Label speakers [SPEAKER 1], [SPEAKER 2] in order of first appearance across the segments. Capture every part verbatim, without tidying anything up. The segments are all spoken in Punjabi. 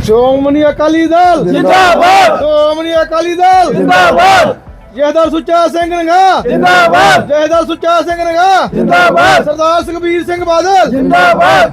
[SPEAKER 1] ਸ਼੍ਰੋਮਣੀ ਅਕਾਲੀ ਦਲ
[SPEAKER 2] ਜਿੰਦਾਬਾਦ।
[SPEAKER 1] ਸ਼੍ਰੋਮਣੀ ਅਕਾਲੀ ਦਲ
[SPEAKER 2] ਜਿੰਦਾਬਾਦ।
[SPEAKER 1] ਜਹਦਰ ਸੁੱਚਾ ਸਿੰਘ ਨੰਗਾ
[SPEAKER 2] ਜਿੰਦਾਬਾਦ।
[SPEAKER 1] ਜਹਦਰ ਸੁੱਚਾ ਸਿੰਘ ਨੰਗਾ
[SPEAKER 2] ਜਿੰਦਾਬਾਦ।
[SPEAKER 1] ਸਰਦਾਰ ਸੁਖਬੀਰ ਸਿੰਘ ਬਾਦਲ
[SPEAKER 2] ਜਿੰਦਾਬਾਦ।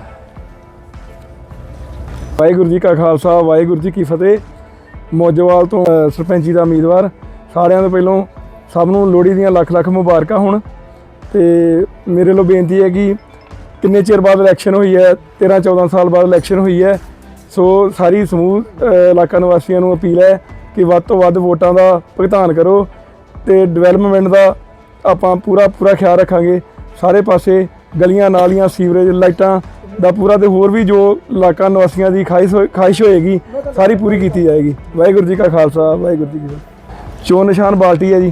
[SPEAKER 3] ਵਾਹਿਗੁਰੂ ਜੀ ਕਾ ਖਾਲਸਾ ਵਾਹਿਗੁਰੂ ਜੀ ਕੀ ਫਤਿਹ। ਮੌਜੋਵਾਲ ਤੋਂ ਅ, ਸਰਪੰਚੀ ਦਾ ਉਮੀਦਵਾਰ ਸਾਰਿਆਂ ਤੋਂ ਪਹਿਲਾਂ ਸਭ ਨੂੰ ਲੋਹੜੀ ਦੀਆਂ ਲੱਖ ਲੱਖ ਮੁਬਾਰਕਾਂ ਹੋਣ। ਤੇ ਮੇਰੇ ਵੱਲੋਂ ਬੇਨਤੀ ਹੈ ਕਿ ਕਿੰਨੇ ਚਿਰ ਬਾਅਦ ਇਲੈਕਸ਼ਨ ਹੋਈ ਹੈ, ਤੇਰਾਂ ਚੌਦਾਂ ਸਾਲ ਬਾਅਦ ਇਲੈਕਸ਼ਨ ਹੋਈ ਹੈ। ਸੋ ਸਾਰੀ ਸਮੂਹ ਅ, ਇਲਾਕਾ ਨਿਵਾਸੀਆਂ ਨੂੰ ਅਪੀਲ ਹੈ ਕਿ ਵੱਧ ਤੋਂ ਵੱਧ ਵੋਟਾਂ ਦਾ ਭੁਗਤਾਨ ਕਰੋ ਤੇ ਡਿਵੈਲਪਮੈਂਟ ਦਾ ਆਪਾਂ ਪੂਰਾ ਪੂਰਾ ਖਿਆਲ ਰੱਖਾਂਗੇ। ਸਾਰੇ ਪਾਸੇ ਗਲੀਆਂ ਨਾਲੀਆਂ ਸੀਵਰੇਜ ਲਾਈਟਾਂ ਦਾ ਪੂਰਾ ਤੇ ਹੋਰ ਵੀ ਜੋ ਇਲਾਕਾ ਨਿਵਾਸੀਆਂ ਦੀ ਖਾਹਿਸ਼ ਹੋਏ- ਖਾਹਿਸ਼ ਹੋਏਗੀ ਸਾਰੀ ਪੂਰੀ ਕੀਤੀ ਜਾਏਗੀ। ਵਾਹਿਗੁਰੂ ਜੀ ਕਾ ਖਾਲਸਾ ਵਾਹਿਗੁਰੂ ਜੀ ਕੀ ਫਤਿਹ। ਚੋਣ ਨਿਸ਼ਾਨ ਬਾਲਟੀ ਹੈ ਜੀ।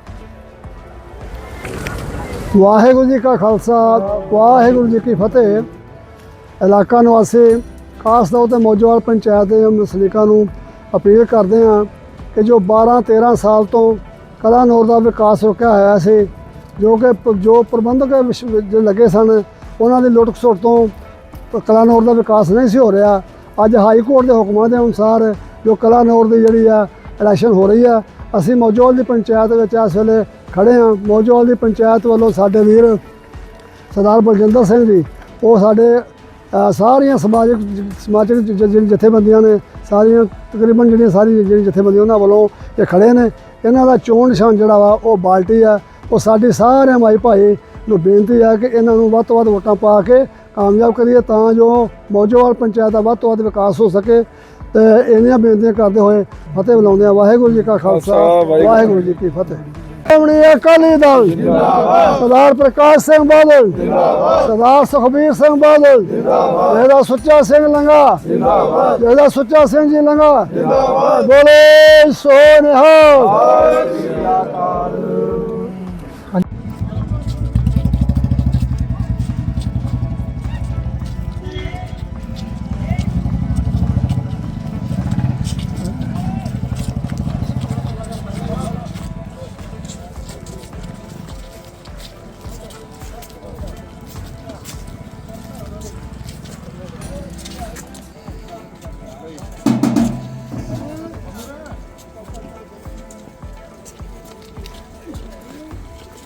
[SPEAKER 4] ਵਾਹਿਗੁਰੂ ਜੀ ਕਾ ਖਾਲਸਾ ਵਾਹਿਗੁਰੂ ਜੀ ਕੀ ਫਤਿਹ। ਇਲਾਕਾ ਨਿਵਾਸੀ ਖਾਸ ਤੌਰ ਤੇ ਮੌਜੋਵਾਲ ਪੰਚਾਇਤ ਦੇ ਵਸਨੀਕਾਂ ਨੂੰ ਅਪੀਲ ਕਰਦੇ ਹਾਂ ਕਿ ਜੋ ਬਾਰਾਂ ਤੇਰਾਂ ਸਾਲ ਤੋਂ ਕਲਾਨੌਰ ਦਾ ਵਿਕਾਸ ਰੁਕਿਆ ਹੋਇਆ ਸੀ, ਜੋ ਕਿ ਪ- ਜੋ ਪ੍ਰਬੰਧਕ ਵਿਸ਼- ਜੋ ਲੱਗੇ ਸਨ ਉਹਨਾਂ ਦੀ ਲੁੱਟ ਖਸੁੱਟ ਤੋਂ ਕਲਾਨੌਰ ਦਾ ਵਿਕਾਸ ਨਹੀਂ ਸੀ ਹੋ ਰਿਹਾ। ਅੱਜ ਹਾਈ ਕੋਰਟ ਦੇ ਹੁਕਮਾਂ ਦੇ ਅਨੁਸਾਰ ਜੋ ਕਲਾਨੌਰ ਦੀ ਜਿਹੜੀ ਆ ਇਲੈਕਸ਼ਨ ਹੋ ਰਹੀ ਆ, ਅਸੀਂ ਮੌਜੋਵਾਲ ਦੀ ਪੰਚਾਇਤ ਵਿੱਚ ਇਸ ਵੇਲੇ ਖੜੇ ਹਾਂ। ਮੌਜੋਵਾਲ ਦੀ ਪੰਚਾਇਤ ਵੱਲੋਂ ਸਾਡੇ ਵੀਰ ਸਰਦਾਰ ਬਲਜਿੰਦਰ ਸਿੰਘ ਜੀ, ਉਹ ਸਾਡੇ ਅ, ਸਾਰੀਆਂ ਸਮਾਜਿਕ ਸਮਾਜਿਕ ਜ- ਜ- ਜਿਹੜੀ ਜਥੇਬੰਦੀਆਂ ਨੇ, ਸਾਰੀਆਂ ਤਕਰੀਬਨ ਜਿਹੜੀਆਂ ਸਾਰੀ ਜਿਹੜੀ ਜਥੇਬੰਦੀਆਂ ਉਹਨਾਂ ਵੱਲੋਂ ਇਹ ਖੜੇ ਨੇ। ਇਹਨਾਂ ਦਾ ਚੋਣ ਨਿਸ਼ਾਨ ਜਿਹੜਾ ਵਾ ਉਹ ਬਾਲਟੀ ਆ। ਉਹ ਸਾਡੀ ਸਾਰਿਆਂ ਮਾਈ ਭਾਈ ਨੂੰ ਬੇਨਤੀ ਹੈ ਕਿ ਇਹਨਾਂ ਨੂੰ ਵੱਧ ਤੋਂ ਵੱਧ ਵੋਟਾਂ ਪਾ ਕੇ ਕਾਮਯਾਬ ਕਰੀਏ ਤਾਂ ਜੋ ਮੌਜੋਵਾਲ ਪੰਚਾਇਤ ਦਾ ਵੱਧ ਤੋਂ ਵੱਧ ਵਿਕਾਸ ਹੋ ਸਕੇ। ਤੇ ਇੰਨੀਆਂ ਬੇਨਤੀਆਂ ਕਰਦੇ ਹੋਏ ਫਤਿਹ ਬੁਲਾਉਂਦੇ ਆ। ਵਾਹਿਗੁਰੂ ਜੀ ਕਾ ਖਾਲਸਾ ਵਾਹਿਗੁਰੂ ਜੀ ਕੀ ਫਤਿਹ। ਸ਼੍ਰੋਮਣੀ ਅਕਾਲੀ ਦਲ ਜਿੰਦਾਬਾਦ। ਸਰਦਾਰ ਪ੍ਰਕਾਸ਼ ਸਿੰਘ ਬਾਦਲ ਜਿੰਦਾਬਾਦ। ਸਰਦਾਰ ਸੁਖਬੀਰ ਸਿੰਘ ਬਾਦਲ ਜਿੰਦਾਬਾਦ। ਜਿਹਦਾ ਸੁੱਚਾ ਸਿੰਘ ਲੰਗਾ ਜਿੰਦਾਬਾਦ। ਜਿਹਦਾ ਸੁੱਚਾ ਸਿੰਘ ਜੀ ਲੰਗਾ ਜਿੰਦਾਬਾਦ। ਬੋਲੇ ਸੋ ਨਿਹਾਲ।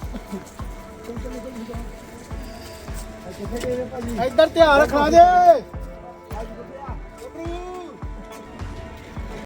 [SPEAKER 1] ਇੱਧਰ ਧਿਆਨ ਰੱਖਣਾ ਜੇ।